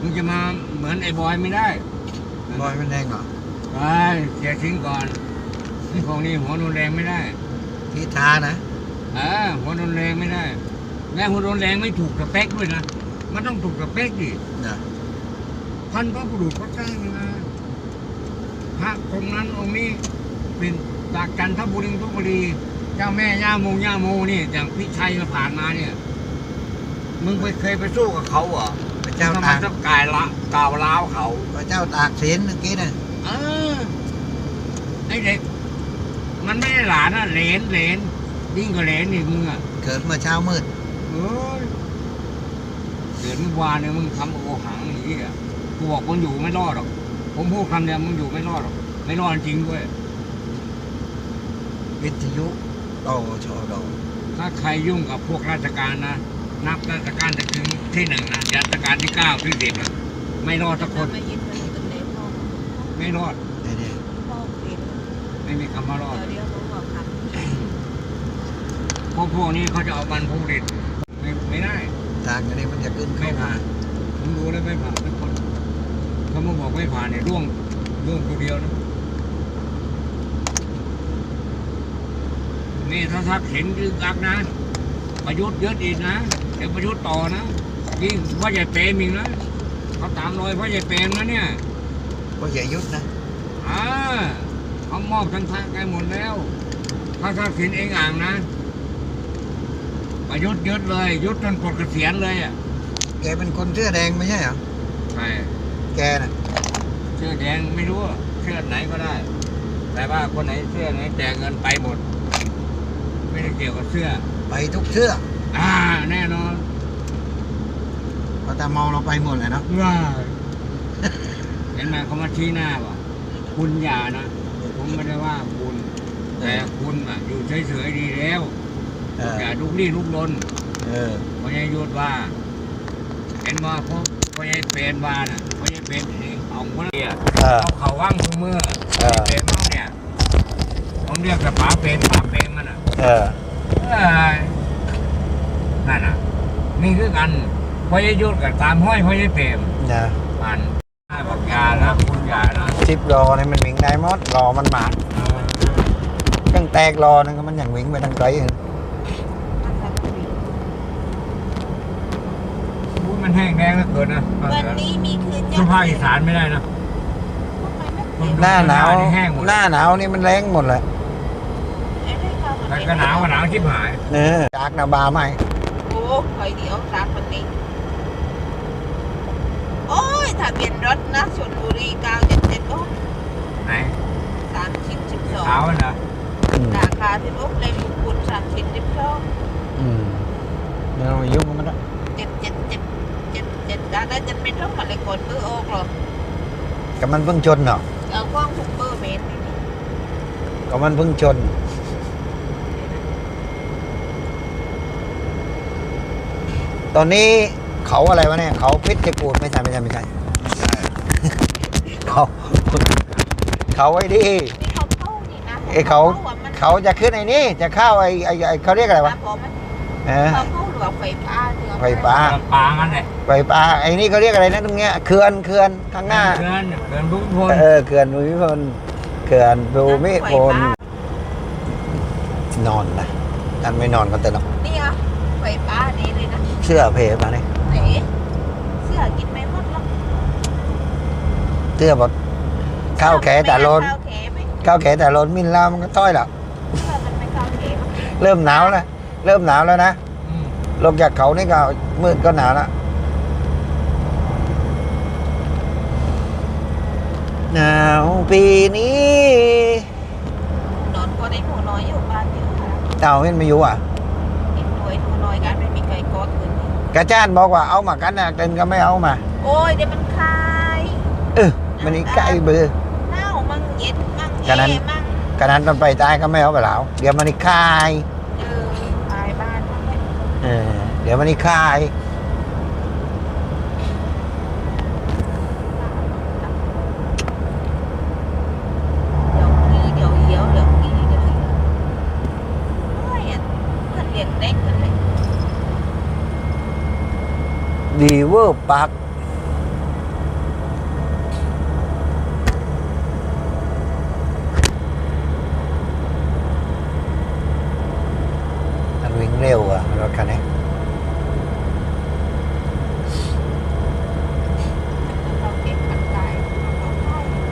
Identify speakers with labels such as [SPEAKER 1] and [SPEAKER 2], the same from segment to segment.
[SPEAKER 1] มึงจะมาเหมือนไอ้บอยไม่ได้
[SPEAKER 2] บอยมันแรงเหรอ
[SPEAKER 1] ไปเสียทิ้งก่อนไอ้พวกนี้หัวรุนแรงไม่ได้
[SPEAKER 2] ที่ท้านะ
[SPEAKER 1] หัวรุนแรงไม่ได้แม้หัวรุนแรงไม่ถูกสเปคด้วยนะมันต้องถูกสเปคดิพันพระบุรุษเขาสร้างมาพระองค์นั้นองค์นี้เป็นจากจันทบุรีเจ้าแม่ย่าโมนี่อย่างพี่ชัยมาผ่านมาเนี่ยมึงเคยไปสู้กับเขาเหรอ
[SPEAKER 2] พระเจ้าตาก
[SPEAKER 1] กายละกาวล้าวเขา
[SPEAKER 2] พระเจ้าตากสินเมื่อกี้น่ะ
[SPEAKER 1] ไอเด็กมันไม่ได้หลานนะเหลนยิ่งกว่าเหลนอีกมึงอ่ะ
[SPEAKER 2] เกิดเมื่อเช้ามืด
[SPEAKER 1] เกิดเมื่อวานเนี่ยมึงทำโอหังอย่างนี้อ่ะกูบอกมึงอยู่ไม่รอดหรอกผมพูดคำเดียวมึงอยู่ไม่รอดหรอกไม่รอดจริงด้วย
[SPEAKER 2] วิทยุโตชด
[SPEAKER 1] ถ้าใครยุ่งกับพวกราชการนะนับราชการจะถึงที่1นะราชการที่9ที่10นะไม่รอดสักคนไม่รอดไม่มีคำว่ารอดพวกนี้เขาจะเอาบรรพบุรุษไม่ได้
[SPEAKER 2] ทางอันนี้มันจะขึ้น
[SPEAKER 1] ไม่ผ่านผมดูแล้วไม่ผ่านทุกคนเขามาบอกไม่ผ่านเนี่ยร่วงตัวเดียวนะนี่ถ้าทักเห็นยึกอักนะประยุทธ์เยอะอีกนะเดี๋ยวประยุทธ์ต่อนะยิ่งพ่อใหญ่เปรมอีกนะเขาตามรอยพ่อใหญ่เปรมนะเนี่ย
[SPEAKER 2] พ่อใหญ่ยุทธนะ
[SPEAKER 1] เขามอบทั้งทางไกลหมดแล้วถ้าทักษิณเองอ่างนะประยุทธ์ยึดเลยยุทธจนปลดเกษียณเลยอ่ะ
[SPEAKER 2] แกเป็นคนเสื้อแดงไม่ใช่เหรอ
[SPEAKER 1] ใช่
[SPEAKER 2] แกน่ะ
[SPEAKER 1] เสื้อแดงไม่รู้เสื้อไหนก็ได้แต่ว่าคนไหนเสื้อไหนแจกเงินไปหมดไม่ได้เกี่ยวกับเสื้อ
[SPEAKER 2] ไปทุกเสื้อ
[SPEAKER 1] แน่นอน
[SPEAKER 2] พอแต่มองเราไปหมดเลยเนาะ
[SPEAKER 1] เห็นไหมเขามาชี้หน้าว่าคุณอย่านะผมไม่ได้ว่าคุณแต่คุณอยู่เฉยๆดีแล้วอย่าลุกลี้ลุกลนพญายุทธว่าเห็นว่าพญาเป็นว่าน่ะพญาเป็นของคนเดียวเขาว่างทุกเมื่อเป็นเขาเนี่ยผมเรียกกับป๋าเป็นมันอ่ะนั่นน่ะนี่คือกันพญายุทธกับตามห้อยพญาเป็นมันบอกยาแล้วคุณยานะ
[SPEAKER 2] 10 รอเนี่ยมันวิ่งได้หมดรอมันหมาตั้งแตกรอนั่นก็มันอย่างวิ่งไปทางไกล
[SPEAKER 1] มันแห้งแรงแล้วเกินนะ
[SPEAKER 3] วันนี้มีคืน
[SPEAKER 1] สุภาพอีสานไม่ได้นะ
[SPEAKER 2] หน้าหนาวนี่มันแรงหมดเลย
[SPEAKER 1] แต่ก็หนาวชิบหาย
[SPEAKER 2] จากนาบาไหม
[SPEAKER 3] โอ้คอยเดี๋ยวจากวันนี้โอ้ยทะเบียนรถนะชลบุรี977โอ้
[SPEAKER 1] ไหน
[SPEAKER 3] 3012
[SPEAKER 1] ขาวนะ
[SPEAKER 3] ราคาที่รถเลยมุกุฎ3012
[SPEAKER 2] เนี่ยเรายุ่งมันละ
[SPEAKER 3] 7ได้จะไม่ต้องอะไรก่อนมือออกหรอก
[SPEAKER 2] ก็มันเพิ่งชนเนาะ
[SPEAKER 3] กล้องทุกเบอร์เมตร
[SPEAKER 2] ก็มันเพิ่งชนตอนนี้เขาอะไรวะเนี่ยเขาพิษจะกูดไม่ใช่เขาไอ้ดิไอ้เขาจะขึ้นไอ้นี่จะเข้าไอ้เขาเรียกอะไรวะไฟฟ้า
[SPEAKER 1] งั้นเลย
[SPEAKER 2] ไฟฟ้าไอ้นี่เขาเรียกอะไรนะตรงเนี้ยเขื่อนข้างหน้า
[SPEAKER 1] เขื่อนภูมิพล
[SPEAKER 2] เขื่อนภูมิพลนอนนะท่านไม่นอนก็แต่นอน
[SPEAKER 3] นี่อ่ะไฟฟ้านี่เลยนะ
[SPEAKER 2] เสื้อเพมาเนี่ย
[SPEAKER 3] เสื้อกินไม่หมดหรอก
[SPEAKER 2] เสื้อบอกข้าวแขแต่ล้นมินลามันก็ต้อยหรอกเริ่มหนาวแล้วนะลงจากเขานี่ก็มืดก็หนาวแล้วหนาวปีนี้
[SPEAKER 3] นอนก็ได้หัวน้อยอยู่บ้านเยอะ
[SPEAKER 2] ไม่อยู่อ่ะ
[SPEAKER 3] หัวน้อยกันไม่มีใครกอดคืน
[SPEAKER 2] กระจ้านบอกว่าเอามากันนะเต็นก็ไม่เอามา
[SPEAKER 3] โอ้ยเดี๋ยวมันคาย
[SPEAKER 2] มันนี่ใกล้เบื่อ
[SPEAKER 3] หนาวมั่งเย็นมั่ง
[SPEAKER 2] กระนั้นตอนไปตายก็ไม่เอาไปแล้วเดี๋ยวมันนี่คาย
[SPEAKER 3] คายบ้าน
[SPEAKER 2] เดี๋ยวมันนี่คายดีเวอร์ปักเร็วอะรถคันนี้
[SPEAKER 3] เขาเก็บขันไก่เขาไข่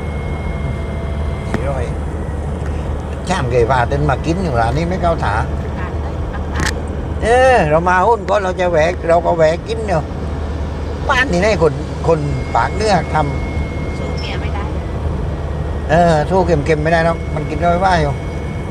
[SPEAKER 2] 400ช่างเกยพาเดินมากินอยู่ร้านนี้ไม่เข้าถา
[SPEAKER 3] ขนาดได้ขนาด
[SPEAKER 2] เรามาหุ้นก็เราจะแหวกเราก็แหวกกินเนาะบ้านนี่ให้คนปากเนื้อท
[SPEAKER 3] สู้เมียไม่ได้
[SPEAKER 2] ำสู้เค็มๆไม่ได้หรอกมันกินได้ว่าอยู่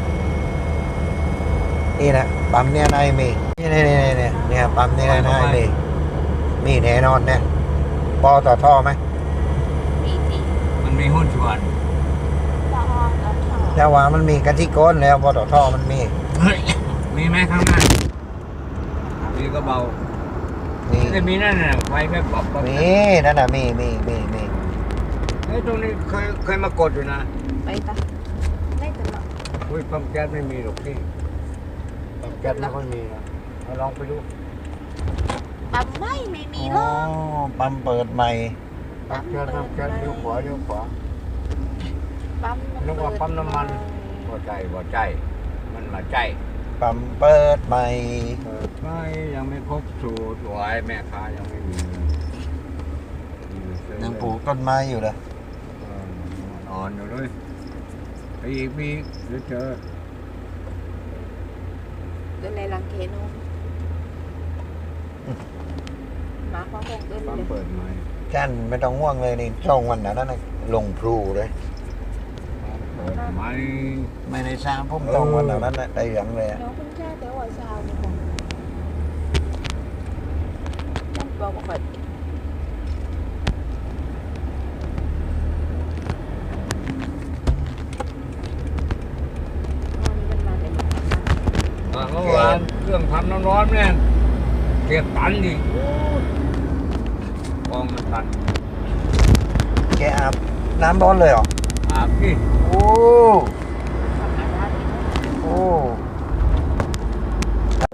[SPEAKER 2] นี่นะปั๊มเนี่ยนายมีเนี่ยปั๊มเนี่ยนายมีแน่นอนเนี่ยปอต่อท่อไหม
[SPEAKER 3] มีที
[SPEAKER 1] มันมีหุ้นส่วน
[SPEAKER 3] ต่อแล้วต่อ
[SPEAKER 2] แต่ว่ามันมีกันที่ก้นแล้วปอต่อท่อมันมี
[SPEAKER 1] เฮ้ยมีไหมข้างหน้ามีก็เบา
[SPEAKER 2] มี
[SPEAKER 1] จะมีนั่นน่ะไฟแค่ปอบ
[SPEAKER 2] มีนั่นน่ะมี
[SPEAKER 1] เฮ้ยตรงนี้เคยมากดอยู่นะ
[SPEAKER 3] ไปตะไม่ตลอด
[SPEAKER 1] อุ้ยปั๊มแก๊สไม่มีหรอกพี่ปั๊มแก๊สไม่ค่อยมีนะเอาลองไปดู
[SPEAKER 3] ปั๊มไม่มีหร
[SPEAKER 2] อ๋อ
[SPEAKER 3] อก
[SPEAKER 2] ปั๊มเปิดใหม่
[SPEAKER 1] ปั๊มแก๊สเลี้ยวขวา
[SPEAKER 3] ปั๊ม
[SPEAKER 1] นึกว่าปั๊มน้ำมันบ่ใจมันมาใจ
[SPEAKER 2] ปั๊มเปิดใหม่
[SPEAKER 1] เปิดไฟยังไม่ครบสูตรหวยแม่ค้ายังไม่มี
[SPEAKER 2] ยังปลูกต้นไม้อยู่เลย
[SPEAKER 1] นอนอยู่เลยไปอีกมีเดี๋ยวเจอ
[SPEAKER 3] เดินในลังเคโนมาพร้อมกันเดิน
[SPEAKER 1] ปั๊ม
[SPEAKER 3] เลย
[SPEAKER 1] เปิดไหม
[SPEAKER 2] จันไม่ต้องห่วงเลยนี่ช่องวันนั้นนะลงพลูเลย
[SPEAKER 1] เปิดไหม
[SPEAKER 2] ไม่ได้สร้างพุ่มตรงวันนั้นนะได้ยังเลยอะ
[SPEAKER 3] น้องคุณแค่แต่ว่าเช้านี่ค่ะฉันบอกว่าเปิดมันมาเป็น
[SPEAKER 1] เมื่อวานเครื่องทำน้ำร้อนเนี่ยเก็บตันดิกองมันตัน
[SPEAKER 2] แกอาบน้ำร้อนเลยเหรอ
[SPEAKER 1] อาบพี่
[SPEAKER 2] โอ้
[SPEAKER 3] ทำงานได้
[SPEAKER 2] โอ้โอ้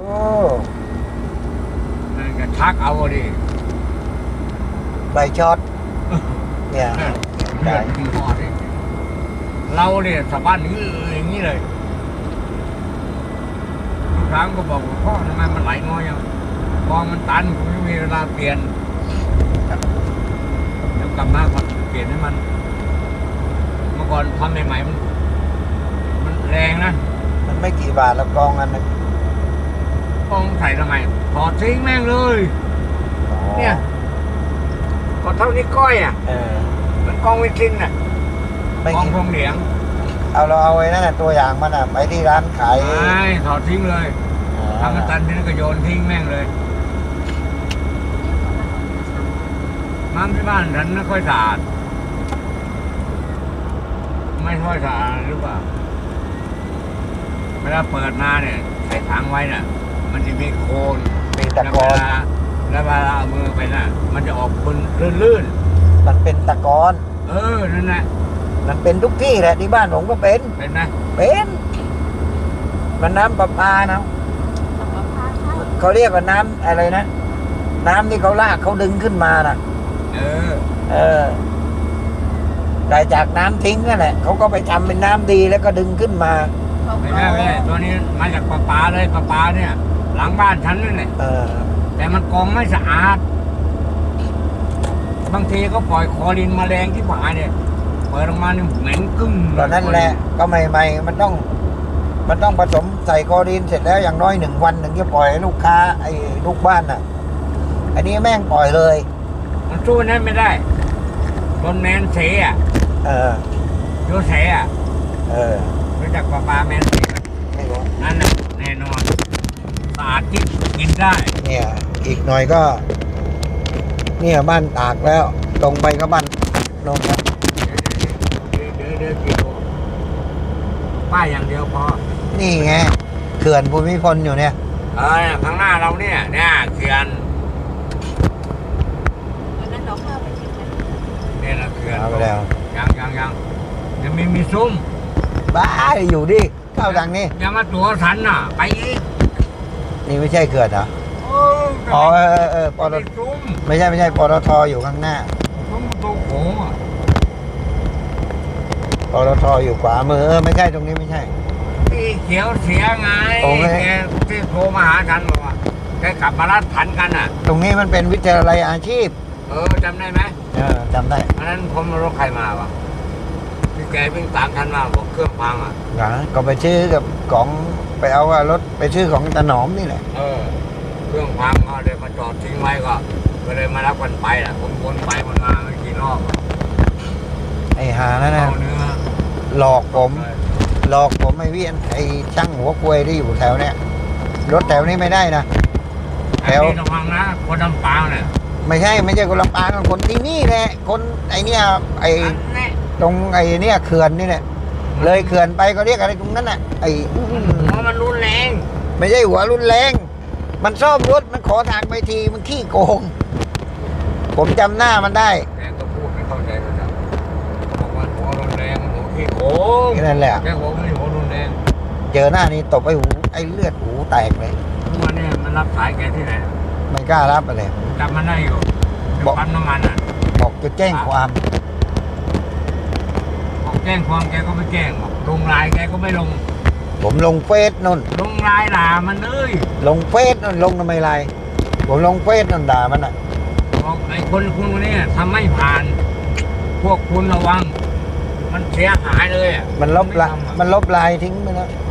[SPEAKER 1] นั่นก็ชักเอาดิ
[SPEAKER 2] ใบช็อตเนี่ย
[SPEAKER 1] เลือดที่หอดิเราเนี่ยสะบั้นอย่างนี้เลยทุกครั้งก็บอกว่าพ่อทำไมมันไหลน้อยยังกองมันตันผมไม่มีเวลาเปลี่ยนเดี๋ยวกลับมาก่อนเปลี่ยนให้มัน เมื่อก่อนทำใหม่ๆมันแรงนะ
[SPEAKER 2] มันไม่กี่บาทแล้วกองอันนึง
[SPEAKER 1] กองใส่ทำไมถอดทิ้งแม่งเลย
[SPEAKER 2] อ๋อ
[SPEAKER 1] เนี่ยก็เท่านี้ก้อยอ่ะ มันกองวิทินน่ะ
[SPEAKER 2] ไม่
[SPEAKER 1] กอง
[SPEAKER 2] กี่
[SPEAKER 1] พงเหลียง
[SPEAKER 2] เราเอาไว้นั่นน่ะตัวอย่างมันอ่ะไปที่ร้านขาย
[SPEAKER 1] ไม่ถอดทิ้งเลยถ้ามันตันทีนั้นก็โยนทิ้งแม่งเลยน้ำที่บ้านฉันไม่ค่อยสะอาดไม่ค่อยสะอาดหรือเปล่าเวลาเปิดมาเนี่ยใส่ถังไว้น่ะ มันจะมีโคลน
[SPEAKER 2] มีตะกอน
[SPEAKER 1] แล้วเวลาเอามือไปน่ะ มันจะออกเป็นลื่น
[SPEAKER 2] มันเป็นตะกอน
[SPEAKER 1] นั่นแหละ
[SPEAKER 2] มันเป็นทุกที่แหละที่บ้านผมก็เป็น
[SPEAKER 1] เป็นไหม
[SPEAKER 2] เป็นมันน้ำประปานะ
[SPEAKER 3] สำหรับพาใช่
[SPEAKER 2] เขาเรียกว่าน้ำอะไรนะ น้ำที่เขาลากเขาดึงขึ้นมาน่ะ เออได้จากน้ำทิ้งนั่นแหละเขาก็ไปทำเป็นน้ำดีแล้วก็ดึงขึ้นมา
[SPEAKER 3] เขา
[SPEAKER 1] ไม่
[SPEAKER 3] ก็
[SPEAKER 1] ใช่ไม่ใช่ตัวนี้มาจากประปาเลยประปาเนี่ย หลังบ้านฉันนั่นแหละ
[SPEAKER 2] เออ
[SPEAKER 1] แต่มันกองไม่สะอาด บางทีก็ปล่อยคลอรินแมลงที่ผาเนี่ยเปิดออกมาเนี่ยเหม็นกึ้ง
[SPEAKER 2] ตอนนั้นแหละก็ใหม่ๆมันต้องผสมใส่คลอรีนเสร็จแล้วอย่างน้อย1 วันถึงจะปล่อยให้ลูกค้าไอ้ลูกบ้านน่ะ อันนี้แม่งปล่อยเลย
[SPEAKER 1] มันสู้นั้นไม่ได้ต้นแมนเสอ่ะ
[SPEAKER 2] เออ
[SPEAKER 1] โยเสอ่ะ
[SPEAKER 2] เออ
[SPEAKER 1] รู้จักประปาแมนเสไหม
[SPEAKER 2] ไม่รู้
[SPEAKER 1] นั่นน่ะแน่นอนสะอาดที่กินได้
[SPEAKER 2] เนี่ย อีกหน่อยก็ เนี่ยบ้านตากแล้ว ตรงไปก็บ้านนนท์ครับ
[SPEAKER 1] เดี๋ยวกิโลป้ายอย่างเดียวพอ
[SPEAKER 2] นี่ไงเขื่อนภูมิพลอยู่เนี่ย
[SPEAKER 1] ข้างหน้าเราเนี่ยเขื่อน
[SPEAKER 3] วันนั้นเราเข้าไปชิมกัน
[SPEAKER 1] เนี่ยนะเขื่อน
[SPEAKER 2] เอาไปแล้ว
[SPEAKER 1] ยังมีซุ้ม
[SPEAKER 2] บ้าอยู่ดิเข้าทางนี้
[SPEAKER 1] ยังมาตัวสันน่ะ ไปอีก
[SPEAKER 2] นี่ไม่ใช่เขื่อนเหรอ
[SPEAKER 1] โอ้
[SPEAKER 2] อ๋อปต
[SPEAKER 1] มีซุ้ม
[SPEAKER 2] ไม่ใช่ปตทอยู่ข้างหน้า
[SPEAKER 1] ซุ้มตัวโขงอ่ะ
[SPEAKER 2] ปตทอยู่ขวามือไม่ใช่ตรงนี้ไม่ใช่
[SPEAKER 1] เพี่เขียวเสียไง
[SPEAKER 2] โอเค
[SPEAKER 1] แกที่โทรมาหาฉันบอกว่าแกกลับมารัดผันกันอ่ะ
[SPEAKER 2] ตรงนี้มันเป็นวิทยาลัยอาชีพ
[SPEAKER 1] จำได้ไหม
[SPEAKER 2] จำได้
[SPEAKER 1] เพราะนั้นผมรถใครมาวะพี่แกวิ่งตามฉันมาบอกเครื่องพังอ่ะ
[SPEAKER 2] ก็ไปชื่อกับของไปเอารถไปชื่อของตาหนอมนี่แหละ
[SPEAKER 1] เครื่องพังก็เลยมาจอดทิ้งไว้ก็เลยมารับกันไปแหละผมวนไปวนมาไม่กี่รอบ
[SPEAKER 2] ไอ้หานั่นนะ
[SPEAKER 1] เอาเนื้อ
[SPEAKER 2] หลอกผมไอ้เวียนไอ้ช่างหัวกลวยที่อยู่แถวเนี้ยรถแถวนี้ไม่ได้นะ
[SPEAKER 1] แถวนี้ระวังนะคนลำปางเนี่ย
[SPEAKER 2] ไม่ใช่คนลำปางคนที่นี่แหละคนไอ้เนี่ยไอ้
[SPEAKER 1] อันนี้
[SPEAKER 2] ตรงไอ้เนี่ยเขื่อนนี่แหละเลยเขื่อนไปก็เรียกอะไรตรงนั้นน่ะไอ้
[SPEAKER 1] เพราะมันรุนแรง
[SPEAKER 2] ไม่ใช่หัวรุนแรง มันซ่อมรถมันขอทางไปทีมันขี้โกง ผมจำหน้ามันได้
[SPEAKER 1] แกก็พูดไม่เข้าใจก็จะบอกว่าหัวรุนแรงหัวขี้โกง
[SPEAKER 2] แค่นั้นแหละ
[SPEAKER 1] แกบอกไม่หัวรุนแรง
[SPEAKER 2] เจอหน้านี้ตบไอ้หูไอ้เลือดหูแตกเลย
[SPEAKER 1] ทุกวันนี้มันรับสายแกที่ไหน
[SPEAKER 2] ไม่กล้ารับไปเลย
[SPEAKER 1] จำมันได้อยู่
[SPEAKER 2] บอก
[SPEAKER 1] ปั๊มน้ำมันอ่ะ
[SPEAKER 2] บอกจะแจ้งความ
[SPEAKER 1] บอกแจ้งความแกก็ไม่แจ้งบอกลงไลน์แกก็ไม่ลง
[SPEAKER 2] ผมลงเฟซนู่น
[SPEAKER 1] ลงไลน์ด่ามันเลย
[SPEAKER 2] ลงเฟซนู่นลงทำไมไรผมลงเฟซนู่นด่ามันอ่ะ
[SPEAKER 1] บอกไอ้คนนี้ทำไม่ผ่าน พวกคุณระวัง มันเสียหายเลยอ่ะ
[SPEAKER 2] มันลบไลน์ทิ้งไปแล้ว